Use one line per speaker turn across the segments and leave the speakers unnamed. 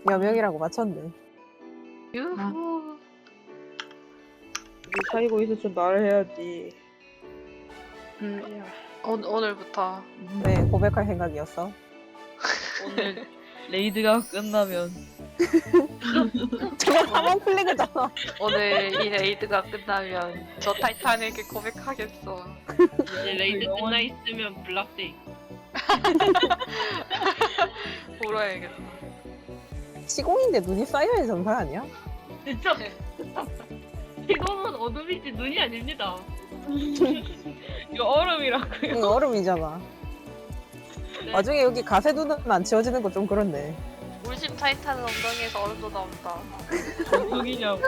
여명이라고 맞췄네.
유후.
우리 사귀고 있었으면 말을 해야지.
오늘부터
왜 고백할 생각이었어?
오늘 레이드가 끝나면
저거 사망 플래그잖아.
오늘 이 레이드가 끝나면 저 타이탄에게 고백하겠어.
이제 레이드 끝나 있으면 블락데이.
울어야겠어.
시공인데 눈이 쌓여야 정상 아니야?
진짜 이거는 어둠이지 눈이 아닙니다.
이거 얼음이라고요.
응, 얼음이잖아.
네.
나중에 여기 가세 눈은 안 지워지는 거 좀 그렇네.
울심 타이탄은 엉덩이에서 얼음도 나온다.
누구냐고.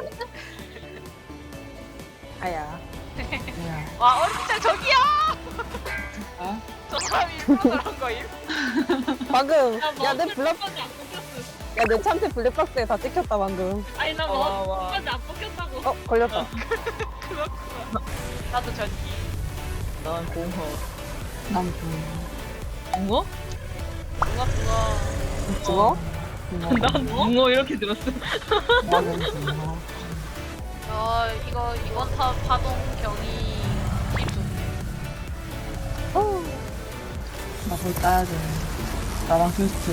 아야.
와 얼음장 저기야!
어?
저 사람이 일부러 그런 거임?
방금
나
야내
머플
블랙
끝까지 안 뽑혔어.
야내 참새 블랙박스에 다 찍혔다 방금.
아니 나
와, 와.
머플 끝까지 안 뽑혔다고.
어 걸렸다.
그렇구나. 나도 전기.
난 공허.
난
붕어?
붕어.
죽어?
난 붕어 이렇게 들었어.
나는 붕어.
이거 이번 타 파동 경이 기준.
나볼 따야 돼. 나랑 퀘스트.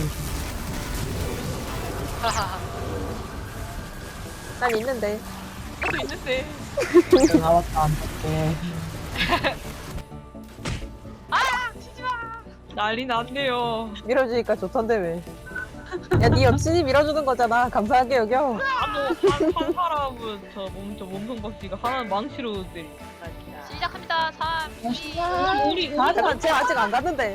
하하하.
난 있는데.
나도 있는데.
나왔다 안 볼게.
치지 마.
난리 났네요.
밀어주니까 좋던데 왜? 야네 여친이 밀어주는 거잖아. 감사하게 여겨.
한 사람은 저 몸통 박쥐가 하나는 망치로 때리.
시작합니다. 3, 2,
우리
잠깐 쟤 아직 안 갔는데.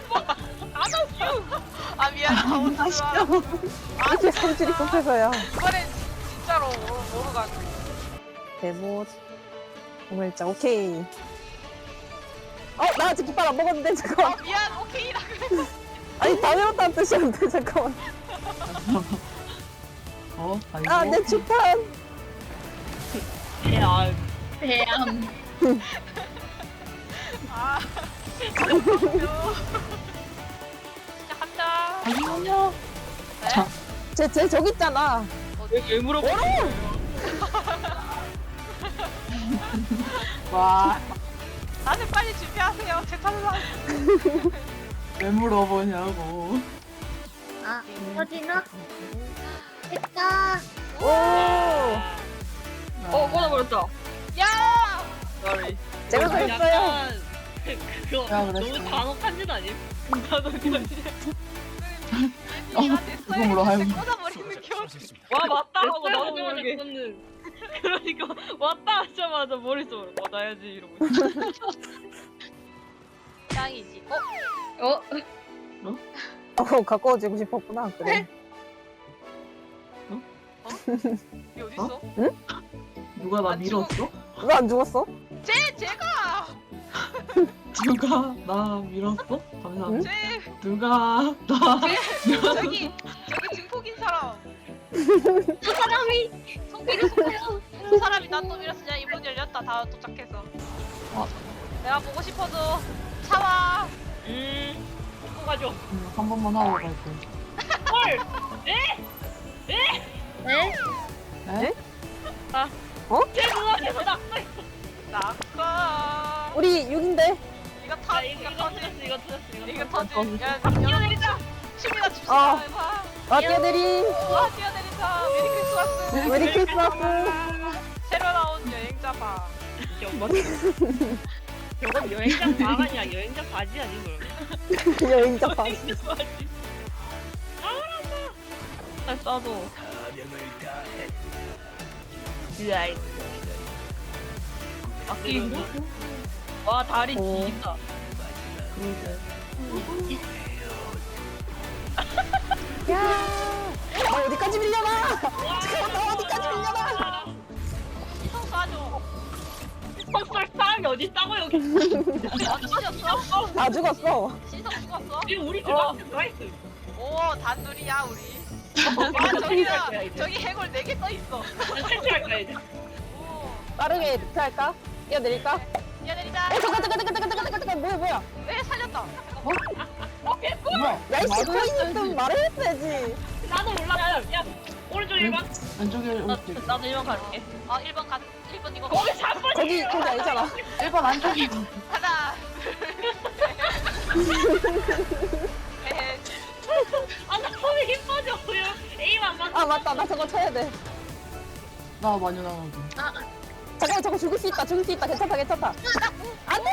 아 미안. 아웃스와.
이렇게 성질이 급해서야.
이번엔 진짜로 모르 가네.
대보. 오늘자 오케이. 나 아직 깃발 안 먹었는데 잠깐만.
미안. 오케이라 그래.
아니 다 외웠다는 뜻이었는데 잠깐만.
아이고.
내 주판.
야,
대암.
아. 시작합니다.
아니요.
네?
자.
쟤 저기 있잖아.
왜 물어보는 거예요?
와,
다들 빨리 준비하세요. 제 탈락.
왜 물어보냐고.
아 터지나? 됐다.
오.
꺼져버렸다.
야!
Sorry.
제가 그랬어요.
약간 그거
야, 그랬어.
너무 단혹한 짓 아님?
나도 그냥
얘가 됐어요.
이거 하는
이제 꽂아버리는 겨.
와 맞다 하고 나도
하자마자
모르게.
꽂는.
그러니까 왔다 하자마자 머릿속으로 맞아야지 이러고.
짱이지.
가까워지고 싶었구나. 그래.
이 어딨어?
누가 나
안
밀었어?
왜 안 죽었어?
제가!
누가 나 밀었어? 감사합니다.
제
누가 나
저기 증폭인 사람.
저 사람이
손길이 손길이 저 사람이 나 또 밀었으냐. 이문 열렸다. 다 도착해서. 내가 보고 싶어도 차와.
갖고 가죠.
한 번만 하고 갈게.
헐.
네?
제 눈앞에서 낙서.
낙하.
우리 6인데.
이거 타.
이거 터졌어. 이거 터졌어.
이거 터지. 야,
뛰어내리자.
춤이나 춥시다.
어.
해봐.
뛰어내리.
와, 뛰어내린다. 메리 크리스마스.
메리 크리스마스.
새로 나온 여행자
저건 여행자 방 아니야. 여행자 바지 아니 그럼.
여행자 방.
날 싸도.
으아이.
아끼고. 와 다리
오.
길다.
야. 나 어디까지 밀려나? 잠깐만 나 어디까지 밀려나?
시선 쏴줘.
헛설 사람이 어디 있다고 여기.
어디 찢었어?
다 죽었어.
시선 죽었어?
지금 우리 들어가서 들어가 있어.
오, 단둘이야, 우리. 아, 저기다. 저기 해골 4개 떠있어.
탈출할 거야 이제.
오,
빠르게 리트 할까? 뛰어내릴까?
뛰어내리자.
잠깐 뭐야?
왜 살렸다?
뭐야?
야이 씨 코인 좀 말을 했어야지.
나도 몰라. 야 왼쪽 1번?
왼쪽에 오른쪽.
나도 1번 갈게.
1번 이거
거기 4번이
거기 아니잖아.
1번 안쪽이고.
하나 셋
아나 손에 힘 빠졌고요. A만 맞
아 맞다, 나 저거 쳐야 돼.
나 많이 나가고.
잠깐만, 저거 죽을 수 있다, 괜찮다. 안돼.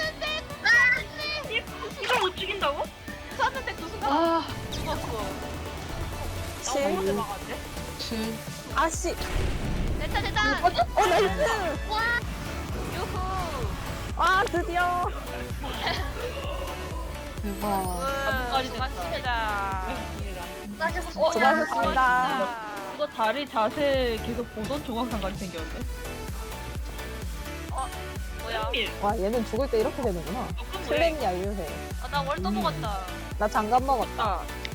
이걸 못 죽인다고?
쐈는데 그 순간
아,
죽었어.
나
7.
어디 나갔지?
7.
아씨.
됐다.
나이스.
유후.
아 드디어.
대박.
나뭇가지 됐다.
맞습니다.
수고하셨습니다.
이거 다리 자세 계속 보던 조각상같이 생겼는데.
뭐야?
현밀.
와 얘는 죽을 때 이렇게 되는구나.
조금 뭐야?
슬램이 알려해.
나 월도 먹었다.
나 장갑 먹었다.
아,